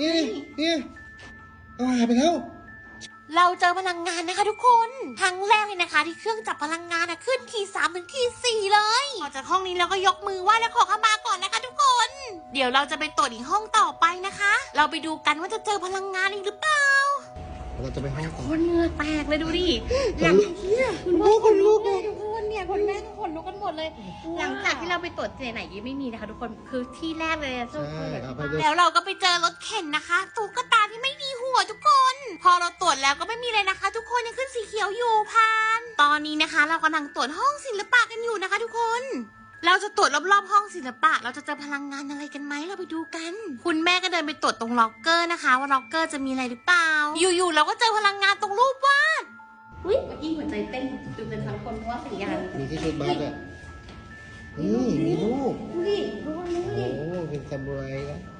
นี่เอาหายไปแล้วเราเจอพลังงานนะคะทุกคนครั้งแรกเลยนะคะที่เครื่องจับพลังงานขึ้นที3 ถึงที 4เลยออกจากห้องนี้แล้วก็ยกมือไหว้และขอขมาก่อนนะคะทุกคน เดี๋ยวเราจะไปตรวจอีกห้องต่อไปนะคะ เราไปดูกันว่าจะเจอพลังงานอีกหรือเปล่าเราจะไปห้องต่อคนเหงื่อแตกเลยดูดิอย่างที่คุณพ่อขนลุกเลยทุกคนเนี่ยคนแม่ทุกคนลุกกันหมดเลย หลังจากที่เราไปตรวจเจไหนยังไม่มีนะคะทุกคนคือที่แรกเลยอะใช่เอาไปเลยแล้วเราก็ไปเจอรถเข็นนะคะตุ๊กตาที่ไม่มีหัวทุกคน พอเราตรวจแล้วก็ไม่มีเลยนะคะ ทุกคนยังขึ้นสีเขียวอยู่ผ่าน ตอนนี้นะคะ เรากำลังตรวจห้องศิลปะกันอยู่นะคะ ทุกคน เราจะตรวจรอบๆห้องศิลปะเราจะเจอพลังงานอะไรกันไหมเราไปดูกัน คุณแม่ก็เดินไปตรวจตรงล็อกเกอร์นะคะ ว่าล็อกเกอร์จะมีอะไรหรือเปล่า อยู่ๆเราก็เจอพลังงานตรงรูปวาดเฮ้ยเมื่อกี้หัวใจเต้นจุดเป็นทั้งคนเพราะว่าสัญญาณมีที่ชุดบัสอ่ะมีรูปดูดิดูดิโอ้เป็นซามูไรนะ